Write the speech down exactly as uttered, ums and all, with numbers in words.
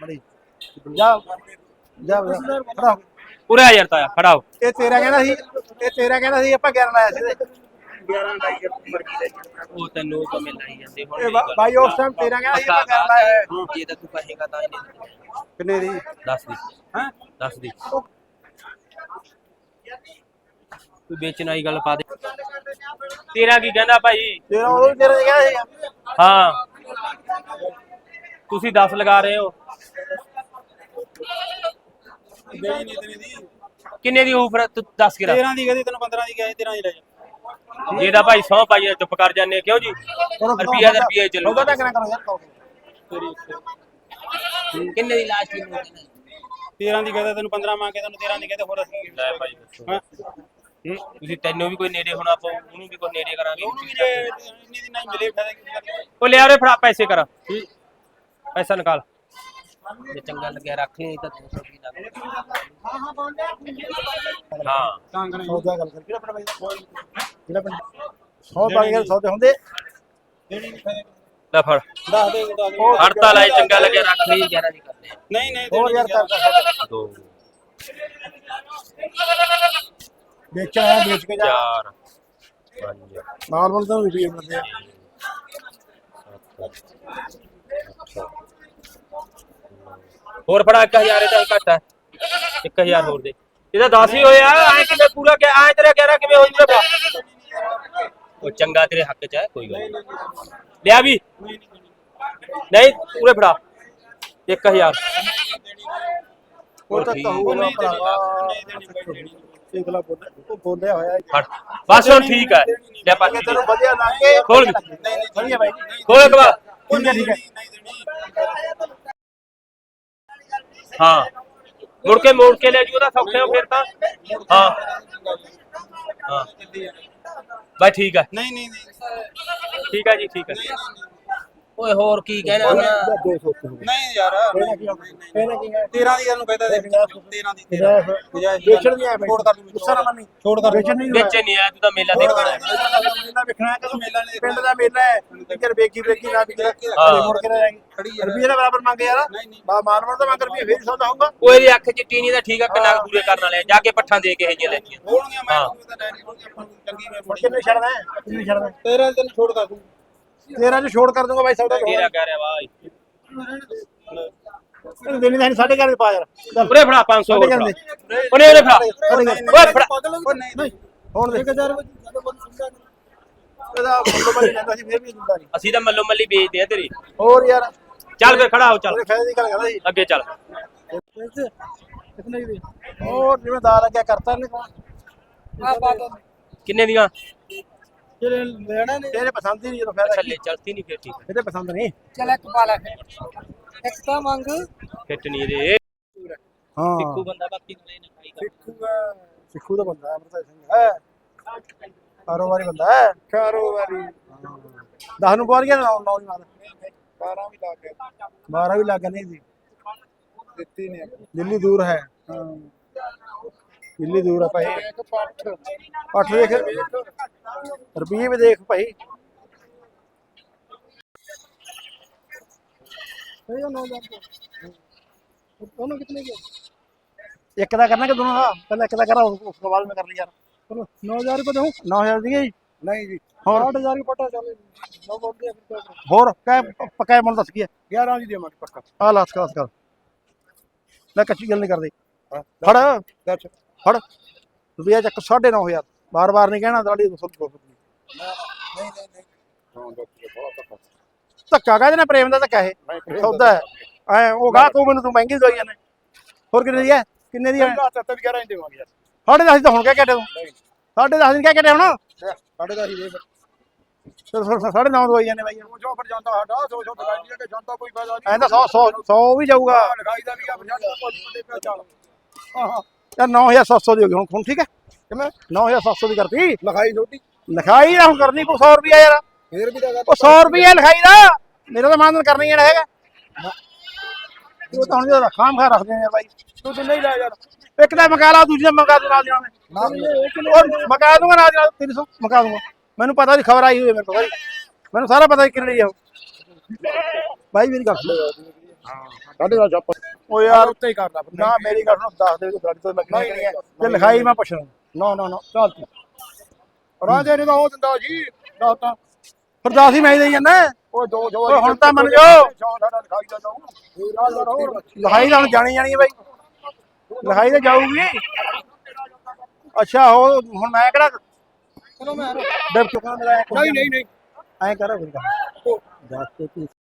ਬੜੀ ਜਾ ਜਾ ਖੜਾ ਉਰੇ ਆ ਯਾਰ ਤਾਇਆ ਖੜਾ ਹੋ। ਇਹ ਤੇਰਾ ਕਹਿੰਦਾ ਸੀ ਇਹ ਤੇਰਾ ਕਹਿੰਦਾ ਸੀ ਆਪਾਂ ਗਿਆਰਾਂ ਲਾਇਆ ਸੀ ਇਹਦੇ ਗਿਆਰਾਂ ਲਾਈ ਮਰਕੀ ਦਾ ਉਹ ਤੈਨੂੰ ਤਾਂ ਮਿਲ ਆਈ ਜਾਂਦੇ ਹੁਣ ਇਹ ਬਾ- ਬਾਈ ਉਸ ਟਾਈਮ ਤੇਰਾ ਕਹਿੰਦਾ ਸੀ ਆਪਾਂ ਗਿਆਰਾਂ ਲਾਇਆ ਹੈ। ਜੇ ਤਾਂ ਤੂੰ ਕਹੇਗਾ ਤਾਂ ਇਹਨੇ ਕਿੰਨੇ ਦੀ ਦੱਸ ਦੀ ਹੈ ਦੱਸ ਦੀ ਤੂੰ ਵੇਚਣ ਵਾਲੀ ਗੱਲ ਪਾ ਦੇ। ਤੇਰਾ ਕੀ ਕਹਿੰਦਾ ਭਾਈ? ਤੇਰਾ ਉਹ ਵੀ ਤੇਰਾ ਕਹਿੰਦਾ ਸੀ ਹਾਂ ਤੁਸੀਂ ਦਸ ਲਗਾ ਰਹੇ ਹੋ। ਦੇਣੀ ਨਹੀਂ ਤੇਰੀ ਦੀ ਕਿੰਨੇ ਦੀ ਹੋਊ ਫਿਰ ਤੂੰ ਦੱਸ ਕੇ ਰੱਖ। ਤੇਰਾਂ ਦੀ ਕਹਦੀ ਤੈਨੂੰ ਪੰਦਰਾਂ ਦੀ ਕਹੇ ਤੇਰਾਂ ਦੀ ਲੈ ਜਾ ਜੇ ਤਾਂ ਭਾਈ ਸੌ ਪਾਈਏ ਚੁੱਪ ਕਰ ਜਾਂਦੇ ਕਿਉਂ ਜੀ? ਰੁਪਈਆ ਦਾ ਰੁਪਈਆ ਚੱਲੂ। ਉਹਦਾ ਤਾਂ ਕਿੰਨਾ ਕਰੋ ਯਾਰ ਕਹੋ ਕਿੰਨੇ ਦੀ ਲਾਸਟ ਨੂੰ ਤੇਰਾਂ ਦੀ ਕਹਦਾ ਤੈਨੂੰ ਪੰਦਰਾਂ ਮੰਗ ਕੇ ਤੈਨੂੰ ਤੇਰਾਂ ਦੀ ਕਹਦੇ ਹੋਰ ਅਸੀਂ ਲੈ ਭਾਈ ਦੱਸੋ। ਹਾਂ ਹੂੰ, ਤੁਸੀਂ ਤੈਨੂੰ ਵੀ ਕੋਈ ਨੇੜੇ ਹੋਣਾ ਪਊ, ਉਹਨੂੰ ਵੀ ਕੋਈ ਨੇੜੇ ਕਰਾਂਗੇ। ਉਹਨੂੰ ਵੀ ਜੇ ਇੰਨੀ ਦੀ ਨਹੀਂ ਮਿਲੇ ਫਾਇਦਾ ਕੀ ਕਰਨਾ ਉਹ ਲਿਆ ਉਰੇ ਫੜਾ ਪੈਸੇ ਕਰ। ਪੈਸਾ ਨਿਕਾਲ। ਜੇ ਚੰਗਾ ਲੱਗਿਆ ਰੱਖ ਲਈ ਤਾਂ ਦੋ ਸੌ ਵੀ ਲੱਗ। ਹਾਂ ਹਾਂ ਬੋਲ ਹਾਂ ਤਾਂ ਕਰੇ ਸੌਦਾ ਗੱਲ ਕਰ ਕਿਹੜਾ ਪਿੰਡ ਬਾਈ ਕਿਹੜਾ ਪਿੰਡ ਸੌ ਬਾਈ ਗੱਲ ਸੌਦੇ ਹੁੰਦੇ ਦੇਣੀ ਨਹੀਂ ਫਾਇਦਾ ਲੈ ਫੜ ਦੱਸ ਦੇ ਦੱਸ ਦੇ ਹੜਤਾਲ ਆਏ ਚੰਗਾ ਲੱਗਿਆ ਰੱਖ ਲਈ ਗਿਆਰਾਂ ਦੀ ਕਰਦੇ ਆ। ਨਹੀਂ ਨਹੀਂ ਹੋਰ ਯਾਰ ਕਰ ਦੋ ਵੇਚ ਆਇਆ ਵੇਚ ਕੇ ਜਾ ਚਾਰ ਪੰਜ ਨਾਰਮਲ ਤਾਂ ਵੀ ਮਿਲਦੇ ਆ ਹੋਰ ਫੜਾ ਇੱਕ ਹਜ਼ਾਰ ਇਹਦਾ ਘੱਟ ਹੈ। ਇੱਕ ਹਜ਼ਾਰ ਹੋਰ ਦੇ। ਇਹਦਾ ਦਸ ਹੀ ਹੋਇਆ ਐ ਕਿਵੇਂ ਪੂਰਾ ਕਿ ਐ ਤੇਰਾ ਗਿਆਰਾਂ ਕਿਵੇਂ ਹੋ ਜੂਗਾ? ਉਹ ਚੰਗਾ ਤੇਰੇ ਹੱਕ ਚ ਹੈ ਕੋਈ ਗੱਲ ਨਹੀਂ। ਲਿਆ ਵੀ ਨਹੀਂ ਪੂਰੇ ਫੜਾ ਇੱਕ ਹਜ਼ਾਰ। ਉਹ ਤਾਂ ਕਹੂਗਾ ਭਰਾਵਾ ਇਕਲਾ ਬੋਲ ਉਹ ਬੋਲਿਆ ਹੋਇਆ ਫੜ ਬਸ ਹੁਣ ਠੀਕ ਹੈ। ਲੈ ਪਾ ਕੇ ਤੈਨੂੰ ਵਧੀਆ ਲੱਗ ਕੇ ਖੋਲ ਕੇ ਵਧੀਆ ਬਾਈ ਖੋਲ ਕੇ ਬਾ। ਠੀਕ ਹੈ ਠੀਕ ਹੈ ਹਾਂ ਮੁੜ ਕੇ ਮੋੜ ਕੇ ਲੈ ਜੂ ਉਹਦਾ ਸੌਖੇ ਹੋ ਫਿਰ ਤਾਂ। ਹਾਂ ਹਾਂ ਬਾਈ ਠੀਕ ਹੈ ਨਹੀਂ ਨਹੀਂ ਨਹੀਂ ਠੀਕ ਹੈ ਜੀ ਠੀਕ ਹੈ। ਓਏ ਹੋਰ ਕੀ ਕਹਿਣਾ ਹੁਣ? ਦੋ ਸੌ ਨਹੀਂ ਯਾਰ ਇਹਦਾ ਕੀ ਇਹਦਾ ਕੀ ਹੈ ਤੇਰਾਂ ਦੀ ਇਹਨੂੰ ਕਹਿੰਦਾ ਤੇਰਾਂ ਦੀ ਵੇਚਣ ਨਹੀਂ ਆਇਆ ਛੋੜ ਕਰ ਦੂੰ ਗੁੱਸਾ ਨਾ ਮੰਨੀ ਛੋੜ ਕਰ ਵੇਚਣ ਨਹੀਂ ਵਿੱਚ ਨਹੀਂ ਆਇਆ ਤੂੰ ਤਾਂ ਮੇਲਾ ਦੇਖਣਾ ਹੈ। ਮੇਲਾ ਵੇਖਣਾ ਕਿ ਮੇਲਾ ਨੇ ਪਿੰਡ ਦਾ ਮੇਲਾ ਹੈ ਟਿਕਰ ਵੇਖੀ ਵੇਖੀ ਨਾ ਵਿਕੇ ਹਾਂ। ਮੁੜ ਕੇ ਨਾ ਜਾਏਗੀ ਖੜੀ ਰੁਪਈਏ ਦਾ ਬਰਾਬਰ ਮੰਗ ਯਾਰ ਨਹੀਂ ਨਹੀਂ ਬਾ ਮਾਰਵਰ ਦਾ ਮੰਗ ਰੁਪਈਏ ਫੇਰ ਸੌਦਾ ਹੋਊਗਾ ਉਹ ਇਹਦੀ ਅੱਖ ਚ ਟੀਨੀ ਦਾ ਠੀਕ ਆ ਕਿੰਨਾ ਕੁ ਪੂਰੇ ਕਰਨ ਵਾਲੇ ਜਾ ਕੇ ਪੱਠਾਂ ਦੇ ਕੇ ਇਹ ਜਿਹੀਆਂ ਲੈ ਜੀਆਂ। ਹੋਣਗੀਆਂ ਮੈਂ ਹਾਂ। ਤਾਂ ਡੈਡੀ ਹੋਣਗੀਆਂ ਆਪਾਂ ਨੂੰ ਚੰਗੀ ਮੈਂ ਮੁੜ ਫੜੀ ਕੇ ਨਹੀਂ ਛੱਡਦਾ ਹੈ, ਕਿੰਨੇ ਛੱਡਦਾ ਹੈ? ਤੇਰਾਂ ਦੀ ਤੈਨੂੰ ਛੋੜ ਕਰ ਦੂੰ ਤੇਰਾਂ ਚ ਛੋੜ ਕਰ ਦੂੰਗਾ ਬਾਈ ਸੌਦਾ ਤੇਰਾ ਕਹਿ ਰਿਹਾ ਭਾਈ ਇਹਨੂੰ ਦੇਣੀ ਤਾਂ ਸਾਡੇ ਘਰ ਦੇ ਪਾ ਯਾਰ ਚੱਲ ਉਰੇ ਫੜਾ ਪੰਜ ਸੌ ਹੋਰ ਸਾਡੇ ਫੜਾ। ਘਰ ਦੇ ਉਹਨੇ ਉਹਨੇ ਫੜਾ ਓਏ ਫੜਾ ਉਹ ਨਹੀਂ ਨਹੀਂ ਹੁਣ ਦੇ ਇਹਦਾ ਮੁੱਲ ਬਣੀ ਜਾਂਦਾ ਸੀ ਫੇਰ ਵੀ ਦਿੰਦਾ ਨਹੀਂ ਅਸੀਂ ਤਾਂ ਮੱਲੋ ਮੱਲੀ ਵੇਚਦੇ ਆ ਤੇਰੀ। ਹੋਰ ਯਾਰ ਚੱਲ ਫੇ ਖੜਾ ਹੋ ਚੱਲ ਉਹਦੇ ਫਾਇਦੇ ਦੀ ਗੱਲ ਕਰਦਾ ਸੀ ਅੱਗੇ ਚੱਲ। ਕਿਤਨੇ ਦੀ ਹੋਰ ਜਿਵੇਂ ਦਾ ਲੱਗਿਆ ਕਰਤਾ ਨੇ ਆ ਪਾ ਦੋ ਕਿੰਨੇ ਦੀਆਂ? ਜਿਹੜੇ ਲੈਣਾ ਨੇ ਤੇਰੇ ਪਸੰਦ ਹੀ ਨਹੀਂ ਜਦੋਂ ਫਾਇਦਾ ਥੱਲੇ ਚਲਤੀ ਨਹੀਂ ਫੇਰ ਠੀਕ ਹੈ। ਇਹਦੇ ਪਸੰਦ ਨਹੀਂ ਚੱਲ ਇੱਕ ਪਾ ਲੈ ਇੱਕ ਤਾਂ ਮੰਗ ਫਿੱਟ ਨਹੀਂ ਇਹਦੇ ਹਾਂ ਸਿੱਖੂ ਬੰਦਾ ਬਾਕੀ ਨੂੰ ਇਹ ਨਾ ਖਾਈ ਕਰ। ਸਿੱਖੂਗਾ ਸਿੱਖੂ ਦਾ ਬੰਦਾ ਹੈ ਅਮਰਤਾ ਸਿੰਘ ਹੈ ਕਾਰੋਬਾਰੀ ਬੰਦਾ ਹੈ ਕਾਰੋਬਾਰੀ ਦਸ ਨੂੰ ਪਹੁੰਚ ਗਿਆ ਨੌ ਨੌ ਦੀ ਮਾਰ ਬਾਰਾਂ ਵੀ ਲਾ ਕੇ ਬਾਰਾਂ ਵੀ ਲੱਗ ਨਹੀਂ ਸੀ ਦਿੱਤੀ ਨੇ ਦਿੱਲੀ ਦੂਰ ਹੈ ਹਾਂ ਦਿੱਲੀ ਦੂਰ ਹੈ ਭਾਈ ਇੱਕ ਪੱਠ ਅੱਠ ਦੇਖ ਰੁਪਈਏ ਵੀ ਦੇਖ ਭਾਈ ਇਹ ਨੌ ਹਜ਼ਾਰ दोनों कितने के ਇੱਕ ਦਾ ਕਰਨਾ ਕਿ ਦੋਨੋਂ ਦਾ ਪਹਿਲਾਂ ਇੱਕ ਦਾ ਕਰਾ ਉਸ ਤੋਂ ਬਾਅਦ ਮੈਂ ਕਰ ਲਈ ਯਾਰ चलो नौ हजार रुपये दूँ नौ हज़ार दी गई नहीं जी और आठ हजार की पटा चले नौ बोल दिया फिर क्या करें? ਹੋਰ ਕੈ ਪਕਾਇਆ ਮੁੱਲ ਦੱਸ ਕੀ ਹੈ ग्यारह जी दिया पक्का ਆ ਲਾਸ ਕਲਾਸ ਕਰ ਲੈ ਕੱਚੀ ਗੱਲ ਨਹੀਂ ਕਰਦੇ हाँ, ਫੜ दस ਫੜ ਰੁਪਿਆ ਚੱਕ ਸਾਢੇ ਨੌ ਹਜ਼ਾਰ ਬਾਰ ਬਾਰ ਨਹੀਂ ਕਹਿਣਾ ਦਾੜੀ ਦੋ ਸੌ नहीं नहीं नहीं हाँ दस बहुत पक्का ਧੱਕਾ ਕਾਹਦੇ ਨਾਲ ਪ੍ਰੇਮ ਦਾ ਧੱਕਾ ਇਹ ਸੌਦਾ ਹੈ ਐ ਉਹ ਗਾਹ ਤੂੰ ਮੈਨੂੰ ਤੂੰ ਮਹਿੰਗੀ ਦਵਾਈ ਜਾਂਦੇ ਹੋਰ ਕਿੰਨੇ ਦੀ ਹੈ ਕਿੰਨੇ ਦੀ ਹੈ सत्तर ग्यारह इंच देवांगे यार ਸਾਢੇ ਦਸ ਦੀ ਤਾਂ ਹੁਣ ਕਹਿ ਕੱਟੇ ਤੂੰ ਸਾਢੇ ਦਸ ਦਿਨ ਕਹਿ ਕੱਟੇ ਹੁਣ साढ़े दस ही दे ਫਿਰ ਫਿਰ ਸਾਢੇ ਨੌ ਦਵਾਈ ਜਾਂਦੇ ਬਾਈ वो जो फिर जाता है सौ सौ दिखाई दिया कि जाता कोई फायदा ਐਂ ਤਾਂ ਸੌ ਸੌ ਸੌ ਵੀ ਜਾਊਗਾ लिखाई दा भी आप जाता कोई बंदे पे चल हां हां ਯਾਰ ਨੌ ਹਜ਼ਾਰ ਸੱਤ ਸੌ ਦੀ ਹੋ ਗਈ ਹੁਣ ਹੁਣ ਠੀਕ ਹੈ कितना ਨੌ ਹਜ਼ਾਰ ਸੱਤ ਸੌ ਦੀ ਕਰਤੀ लिखाई छोटी ਲਿਖਾਈ ਨਾ ਹੁਣ ਕਰਨੀ ਕੋਈ ਸੌ ਰੁਪਿਆ ਯਾਰ फिर भी लगा ਉਹ ਸੌ ਰੁਪਿਆ ਲਿਖਾਈ ਦਾ ਮੇਰਾ ਤਾਂ ਮਾਨਦਨ ਕਰਨਾ ਹੀ ਜਿਹੜਾ ਹੈਗਾ ਉਹ ਤਾਂ ਹੁਣ ਜਿਹੜਾ ਖਾਮ ਖਾ ਰੱਖਦੇ ਨੇ ਬਾਈ तू तो नहीं ला यार ਇੱਕ ਤਾਂ ਮਕਾ ਲਾ ਦੂਜੀ ਦਾ ਮਕਾ ਦੂ ਨਾਲ ਜਾਣਾ ना ਉਹ ਮਕਾ ਦੂੰਗਾ ਨਾਲ ਨਾਲ ਤਿੰਨ ਸੌ ਮਕਾ ਦੂੰਗਾ ਮੈਨੂੰ ਪਤਾ ਦੀ ਖਬਰ ਆਈ ਹੋਈ ਹੈ ਮੇਰੇ ਕੋਲ ਬਾਈ ਮੈਨੂੰ ਸਾਰਾ ਪਤਾ ਕਿੰਨੇ ਲਈ ਆ ਉਹ। ਬਾਈ ਮੇਰੀ ਗੱਲ ਸੁਣ ਸਾਢੇ ਦਸ ਆਪਾਂ ਉਹ ਯਾਰ ਉੱਤੇ ਹੀ ਕਰਦਾ ਨਾ ਮੇਰੀ ਗੱਲ ਸੁਣ ਦੱਸ ਦੇ ਗਾੜੀ ਤੋਂ ਲੱਗਣੀ ਨਹੀਂ ਹੈ ਤੇ ਲਿਖਾਈ ਮੈਂ ਪੁੱਛਣਾ ਨਾ ਨਾ ਨਾ ਚੱਲ ਤੂੰ ਰਾਜੇ ਨੇ ਤਾਂ ਉਹ ਦਿੰਦਾ ਜੀ ਦੱਸ ਤਾਂ ਫਿਰ ਦਸ ਹੀ ਮੈਂ ਦੇਈ ਜਾਂਦਾ ਉਹ ਦੋ ਦੋ ਓਏ ਹੁਣ ਤਾਂ ਮੰਨ ਜਾਓ। ਲਿਖਾਈ ਦਾ ਜਾਊ ਇਹ ਰਾਜ ਦਾ ਹੋਰ ਲਿਖਾਈ ਤਾਂ ਹੁਣ ਜਾਣੀ ਜਾਣੀ ਹੈ ਬਾਈ ਲਿਖਾਈ ਤਾਂ ਜਾਊਗੀ ਅੱਛਾ ਉਹ ਹੁਣ ਮੈਂ ਕਿਹੜਾ ਚਲੋ ਮੈਂ ਡਿਪ ਚੁੱਕਾ ਮੇਰਾ ਨਹੀਂ ਨਹੀਂ ਨਹੀਂ ਐਂ ਕਰ ਫਿਰ ਦੱਸ ਤੇ